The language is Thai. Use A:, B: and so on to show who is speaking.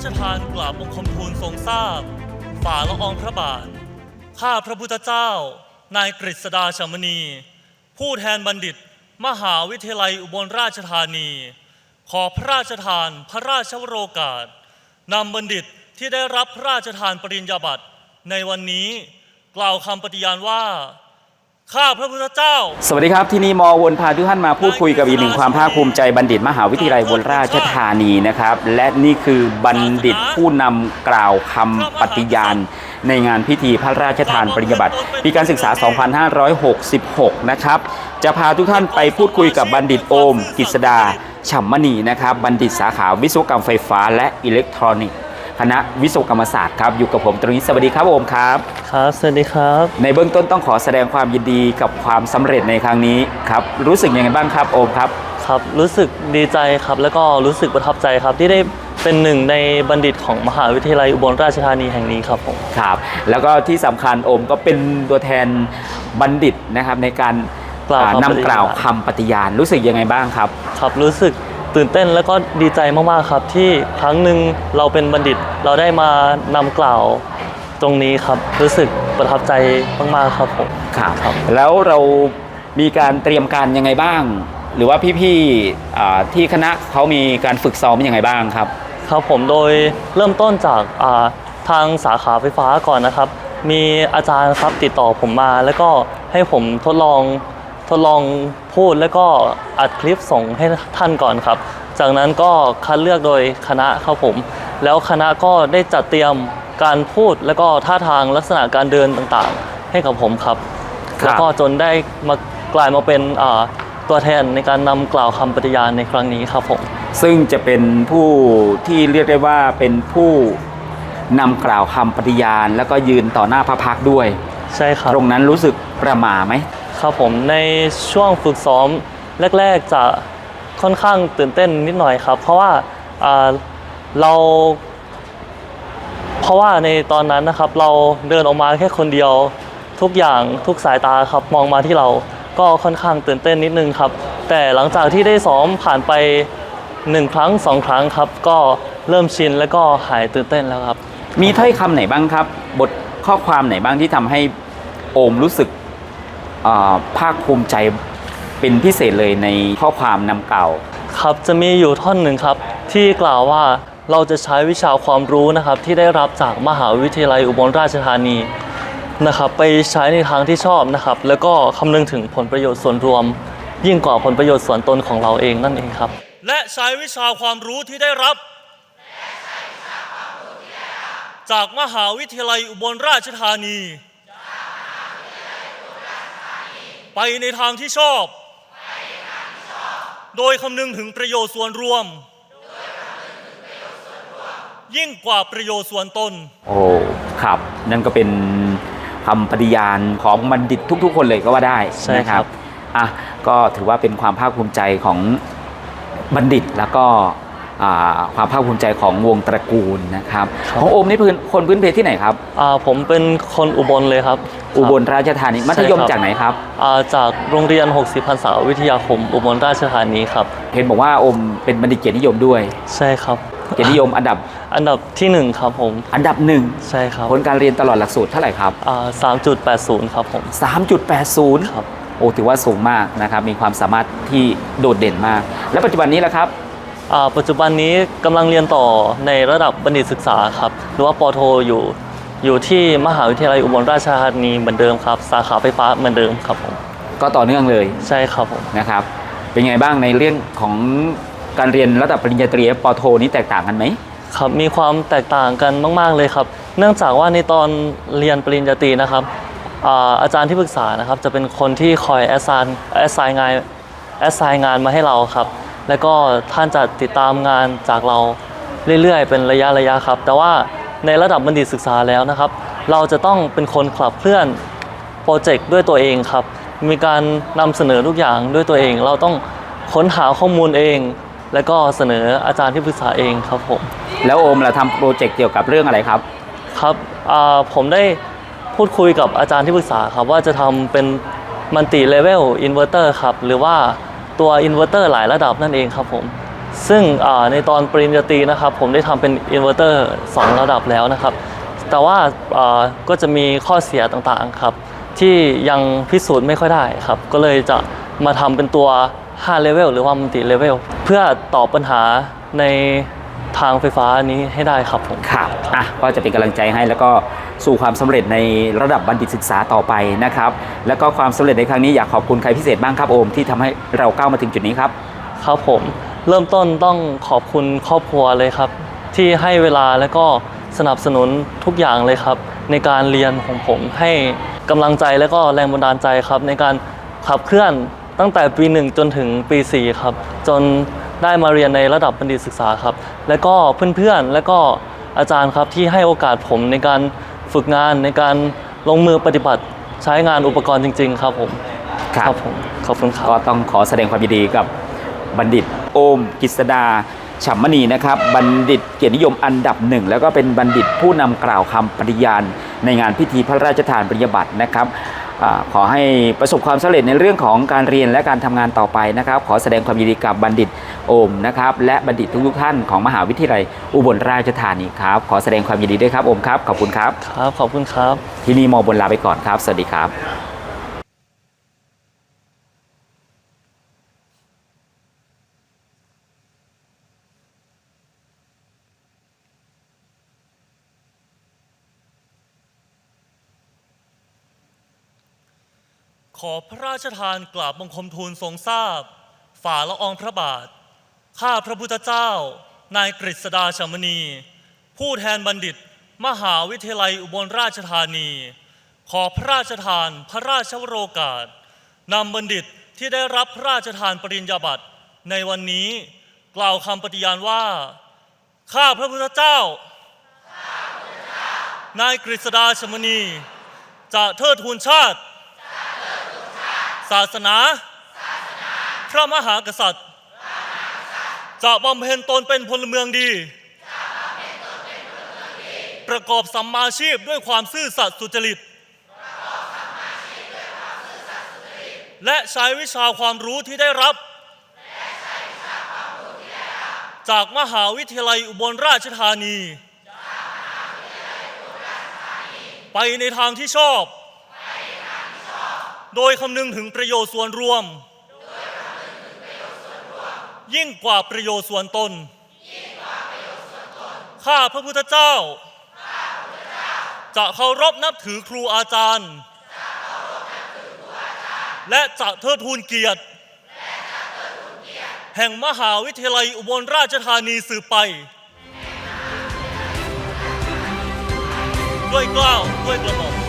A: ชทานกราบบังคมทูลทรงทราบฝ่าละอองพระบาทข้าพระพุทธเจ้านายกฤษดา ฉมณีผู้แทนบัณฑิตมหาวิทยาลัยอุบลราชธานีขอพระราชทานพระราชวโรกาสนำบัณฑิตที่ได้รับพระราชทานปริญญาบัตรในวันนี้กล่าวคำปฏิญาณว่าข้าพระพุทธเจ้า
B: สวัสดีครับที่นี่มวนพาทุกท่านมาพูดคุยกับอีกหนึ่งความภาคภูมิใจบัณฑิตมหาวิทยาลัยอุบลราชธานีนะครับและนี่คือบัณฑิตผู้นำกล่าวคำปฏิญาณในงานพิธีพระราชทานปริญญาบัตรปีการศึกษา 2566 นะครับจะพาทุกท่านไปพูดคุยกับบัณฑิตโอมกฤษดา ฉ่ำมณีนะครับบัณฑิตสาขาวิศวกรรมไฟฟ้าและอิเล็กทรอนิกส์คณะวิศวกรรมศาสตร์ครับอยู่กับผมตรงนี้สวัสดีครับโอมครับ
A: ครับสวัสดีครับ
B: ในเบื้องต้นต้องขอแสดงความยินดีกับความสำเร็จในครั้งนี้ครับรู้สึกยังไงบ้างครับโอมครับ
A: ครับรู้สึกดีใจครับแล้วก็รู้สึกประทับใจครับที่ได้เป็นหนึ่งในบัณฑิตของมหาวิทยาลัยอุบลราชธานีแห่งนี้ครับผม
B: ครับแล้วก็ที่สำคัญโอมก็เป็นตัวแทนบัณฑิตนะครับในการนำกล่าวคำปฏิญาณรู้สึกยังไงบ้างครับ
A: ครับรู้สึกตื่นเต้นแล้วก็ดีใจมากๆครับที่ครั้งหนึ่งเราเป็นบัณฑิตเราได้มานำกล่าวตรงนี้ครับรู้สึกประทับใจมากๆครับผม
B: ครับแล้วเรามีการเตรียมการยังไงบ้างหรือว่าพี่ๆที่คณะเขามีการฝึกซ้อมยังไงบ้างครับ
A: ครับผมโดยเริ่มต้นจากทางสาขาไฟฟ้าก่อนนะครับมีอาจารย์ครับติดต่อผมมาแล้วก็ให้ผมทดลองพูดแล้วก็อัดคลิปส่งให้ท่านก่อนครับจากนั้นก็คัดเลือกโดยคณะครับผมแล้วคณะก็ได้จัดเตรียมการพูดแล้วก็ท่าทางลักษณะการเดินต่างๆให้กับผมครับแล้วก็จนได้มากลายมาเป็นตัวแทนในการนำกล่าวคำปฏิญาณในครั้งนี้ครับผม
B: ซึ่งจะเป็นผู้ที่เรียกได้ว่าเป็นผู้นำกล่าวคำปฏิญาณแล้วก็ยืนต่อหน้าพระพักตร์ด้วย
A: ใช่ครับ
B: ตรงนั้นรู้สึกประหม่าไหม
A: ครับผมในช่วงฝึกซ้อมแรกๆจะค่อนข้างตื่นเต้นนิดหน่อยครับเพราะว่าในตอนนั้นนะครับเราเดินออกมาแค่คนเดียวทุกอย่างทุกสายตาครับมองมาที่เราก็ค่อนข้างตื่นเต้นนิดนึงครับแต่หลังจากที่ได้ซ้อมผ่านไป1 ครั้ง 2 ครั้งครับก็เริ่มชินแล้วก็หายตื่นเต้นแล้วครับ
B: มีถ้อยคำไหนบ้างครับบทข้อความไหนบ้างที่ทำให้โอมรู้สึกภาคภูมิใจเป็นพิเศษเลยในข้อความนำกล่าว
A: ครับจะมีอยู่ท่อนหนึ่งครับที่กล่าวว่าเราจะใช้วิชาความรู้นะครับที่ได้รับจากมหาวิทยาลัยอุบลราชธานีนะครับไปใช้ในทางที่ชอบนะครับแล้วก็คำนึงถึงผลประโยชน์ส่วนรวมยิ่งกว่าผลประโยชน์ส่วนตนของเราเองนั่นเองครับและใช้วิชาความรู้ที่ได้รับจากมหาวิทยาลัยอุบลราชธานีไปในทางที่ชอบโดยคำนึงถึงประโยชน์ส่วนรวมยิ่งกว่าประโยชน์ส่วนตน
B: โอ้ครับนั่นก็เป็นคำปฏิญาณของบัณฑิตทุกๆคนเลยก็ว่าได้นะครับก็ถือว่าเป็นความภาคภูมิใจของบัณฑิตแล้วก็ความภาคภูมิใจของวงตระกูลนะครับของโอมนี่คนพื้นเพที่ไหนครับ
A: ผมเป็นคนอุบลเลยครับ
B: อุบลราชธานีมัธยมจากไหนครับ
A: จากโรงเรียน60 พรรษาวิทยาคมอุบลราชธานีครับ
B: เห็นบอกว่าโอมเป็นบัณฑิตเกียรตินิยมด้วย
A: ใช่ครับ
B: เกียรตินิยมอันดับ
A: ที่1ครับผม
B: อันดับ1
A: ใช่ครับ
B: ผลการเรียนตลอดหลักสูตรเท่าไหร่ครับ
A: 3.80ครับผม
B: 3.80
A: ครับ
B: โอ้ถือว่าสูงมากนะครับมีความสามารถที่โดดเด่นมากและปัจจุบันนี้ล่ะครับ
A: ปัจจุบันนี้กำลังเรียนต่อในระดับบัณฑิตศึกษาครับหรือว่าป.โทอยู่ที่มหาวิทยาลัยอุบลราชธานีเหมือนเดิมครับสาขาไฟฟ้าเหมือนเดิมครับผม
B: ก็ต่อเนื่องเลย
A: ใช่ครับผม
B: นะครับเป็นไงบ้างในเรื่องของการเรียนระดับปริญญาตรีป.โทนี้แตกต่างกันไหม
A: ครับมีความแตกต่างกันมากๆเลยครับเนื่องจากว่าในตอนเรียนปริญญาตรีนะครับอาจารย์ที่ปรึกษานะครับจะเป็นคนที่คอยแอสไซน์งานมาให้เราครับแล้วก็ท่านจะติดตามงานจากเราเรื่อยๆเป็นระยะครับแต่ว่าในระดับบัณฑิตศึกษาแล้วนะครับเราจะต้องเป็นคนขับเคลื่อนโปรเจกต์ด้วยตัวเองครับมีการนำเสนอทุกอย่างด้วยตัวเองเราต้องค้นหาข้อมูลเองแล้วก็เสนออาจารย์ที่ปรึกษาเองครับผม
B: แล้วโอมล่ะทำโปรเจกต์เกี่ยวกับเรื่องอะไรครับ
A: ครับผมได้พูดคุยกับอาจารย์ที่ปรึกษาครับว่าจะทำเป็นมัลติเลเวลอินเวอร์เตอร์ครับหรือว่าตัวอินเวอร์เตอร์หลายระดับนั่นเองครับผมซึ่งในตอนปริญญาตรีนะครับผมได้ทำเป็นอินเวอร์เตอร์2ระดับแล้วนะครับแต่ว่าก็จะมีข้อเสียต่างๆครับที่ยังพิสูจน์ไม่ค่อยได้ครับก็เลยจะมาทำเป็นตัว5 level หรือว่า multi level เพื่อตอบปัญหาในทางไฟฟ้านี้ให้ได้ครับผม
B: ครับก็จะเป็นกำลังใจให้แล้วก็สู่ความสำเร็จในระดับบัณฑิตศึกษาต่อไปนะครับแล้วก็ความสำเร็จในครั้งนี้อยากขอบคุณใครพิเศษบ้างครับโอมที่ทำให้เราก้าวมาถึงจุดนี้ครับ
A: ครับผมเริ่มต้นต้องขอบคุณครอบครัวเลยครับที่ให้เวลาและก็สนับสนุนทุกอย่างเลยครับในการเรียนของผมให้กำลังใจและก็แรงบันดาลใจครับในการขับเคลื่อนตั้งแต่ปี 1จนถึงปี 4ครับจนได้มาเรียนในระดับบัณฑิตศึกษาครับและก็เพื่อนๆและก็อาจารย์ครับที่ให้โอกาสผมในการฝึกงานในการลงมือปฏิบัติใช้งานอุปกรณ์จริงๆครับผมครับผมขอบคุณครับ
B: ก็ต้องขอแสดงความยินดีกับบัณฑิตโอมกฤษดาฉ่ำมณีนะครับบัณฑิตเกียรตินิยมอันดับ1แล้วก็เป็นบัณฑิตผู้นำกล่าวคำปฏิญาณในงานพิธีพระราชทานปริญญาบัตรนะครับขอให้ประสบความสำเร็จในเรื่องของการเรียนและการทำงานต่อไปนะครับขอแสดงความยินดีกับบัณฑิตโอมนะครับและบัณฑิตทุกท่านของมหาวิทยาลัยอุบลราชธานีครับขอแสดงความยินดีด้วยครับโอมครับขอบคุณครับ
A: ครับขอบคุณครับ
B: ที่นี่มอบนลาไปก่อนครับสวัสดีครับ
A: ขอพระราชทานกราบบังคมทูลทรงทราบฝ่าละอองพระบาทข้าพระพุทธเจ้านายกฤษดาฉ่ำมณีผู้แทนบัณฑิตมหาวิทยาลัยอุบลราชธานีขอพระราชทานพระราชวโรกาสนำบัณฑิตที่ได้รับพระราชทานปริญญาบัตรในวันนี้กล่าวคำปฏิญาณว่าข้าพระพุทธเจ้านายกฤษดาฉ่ำมณีจะเทิดทูนชาติศาสนาพระมหากษัตริย์จะบำเพ็ญตนเป็นพลเมืองดีประกอบสัมมาชีพด้วยความซื่อสัตย์สุจริตและใช้วิชาความรู้ที่ได้รับจากมหาวิทยาลัยอุบลราชธานีไปในทางที่ชอบโดยคำนึงถึงประโยชน์ส่วนรวมยิ่งกว่าประโยชน์ส่วนตนข้าพระพุทธเจ้าจะเคารพนับถือครูอาจารย์และจะเทิดทูนเกียรติแห่งมหาวิทยาลัยอุบลราชธานีสืบไปด้วยเกล้าด้วยกระหม่อม